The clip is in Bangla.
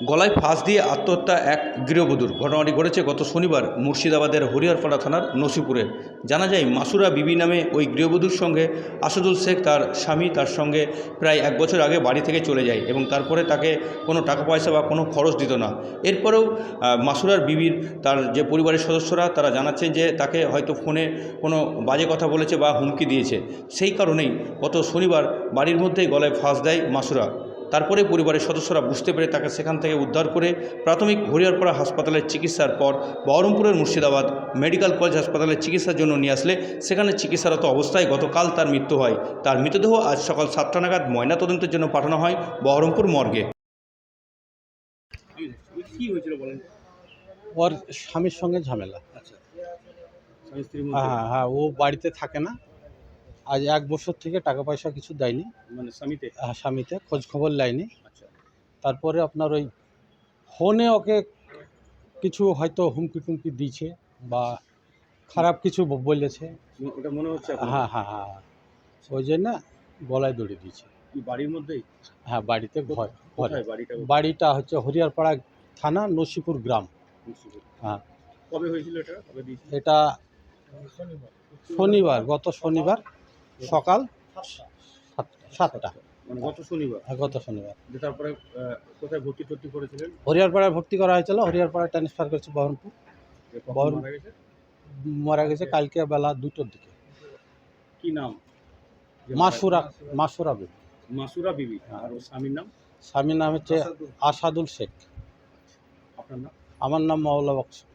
গলায় ফাঁস দিয়ে আত্মহত্যা এক গৃহবধূর। ঘটনাটি ঘটেছে গত শনিবার মুর্শিদাবাদের হরিহরপাড়া থানার নসিপুরে। জানা যায় মাসুরা বিবি নামে ওই গৃহবধূর সঙ্গে আসাদুল শেখ তার স্বামী তার সঙ্গে প্রায় 1 বছর আগে বাড়ি থেকে চলে যায় এবং তারপরে তাকে কোনো টাকা পয়সা বা কোনো খরচ দিত না। এরপরেও মাসুরার বিবির তার যে পরিবারের সদস্যরা তারা জানাচ্ছেন যে তাকে হয়তো ফোনে কোনো বাজে কথা বলেছে বা হুমকি দিয়েছে। সেই কারণেই গত শনিবার বাড়ির মধ্যেই গলায় ফাঁস দেয় মাসুরা। তারপরে পরিবারের সদস্যরা বুঝতে পেরে তাকে সেখান থেকে উদ্ধার করে প্রাথমিক হরিহরপাড়া হাসপাতালের চিকিৎসার পর বহরমপুরের মুর্শিদাবাদ মেডিকেল কলেজ হাসপাতালে চিকিৎসার জন্য নিয়ে আসলে সেখানে চিকিৎসারত অবস্থায় গতকাল তার মৃত্যু হয়। তার মৃতদেহ আজ সকাল 7টা নাগাদ ময়নাতদন্তের জন্য পাঠানো হয় বহরমপুর মর্গে। কি হয়েছিল বলেন? ওর স্বামীর সঙ্গে ঝামেলা। আচ্ছা, স্বামী স্ত্রীর হ্যাঁ মধ্যে হ্যাঁ হ্যাঁ, ও বাড়িতে থাকে না। আজ 1 বছর থেকে টাকা পয়সা কিছু দেয়নি। মানে স্বামীতে। স্বামীতে খোঁজ খবর নেয়নি। আচ্ছা, তারপরে আপনার ওই ফোনে ওকে কিছু হয়তো হুমকি টুমকি দিয়েছে বা খারাপ কিছু বলেছে। ওটা মনে হচ্ছে আপনার? হ্যাঁ হ্যাঁ হ্যাঁ হ্যাঁ, ওই জন্য গলায় দড়ি দিয়েছে। কি বাড়ির মধ্যেই? হ্যাঁ, বাড়িতে ঘরে। কোথায় বাড়িটা? বাড়িটা হচ্ছে হরিহরপাড়া থানা নসিপুর গ্রাম। হ্যাঁ, কবে হয়েছিল এটা? কবে দিয়েছিল? এটা শনিবার, গত শনিবার সকাল 7টা। মানে গত শনিবার। গত শনিবার যে তারপরে কোথায় ভর্তি করেছিলেন? হরিহরপাড়ায় ভর্তি করা হয়েছিল, হরিহরপাড়ায় ট্রান্সফার করেছে বহরমপুর। যে কখন বহরম- মারা গেছে? মারা গেছে কালকে বেলা 2টোর দিকে। কি নাম? যে মাসুরা বিবি। মাসুরা বিবি। আর ওর স্বামীর নাম? স্বামীর নাম হচ্ছে আসাদুল শেখ। আপনার নাম? আমার নাম মাওলা বক্স।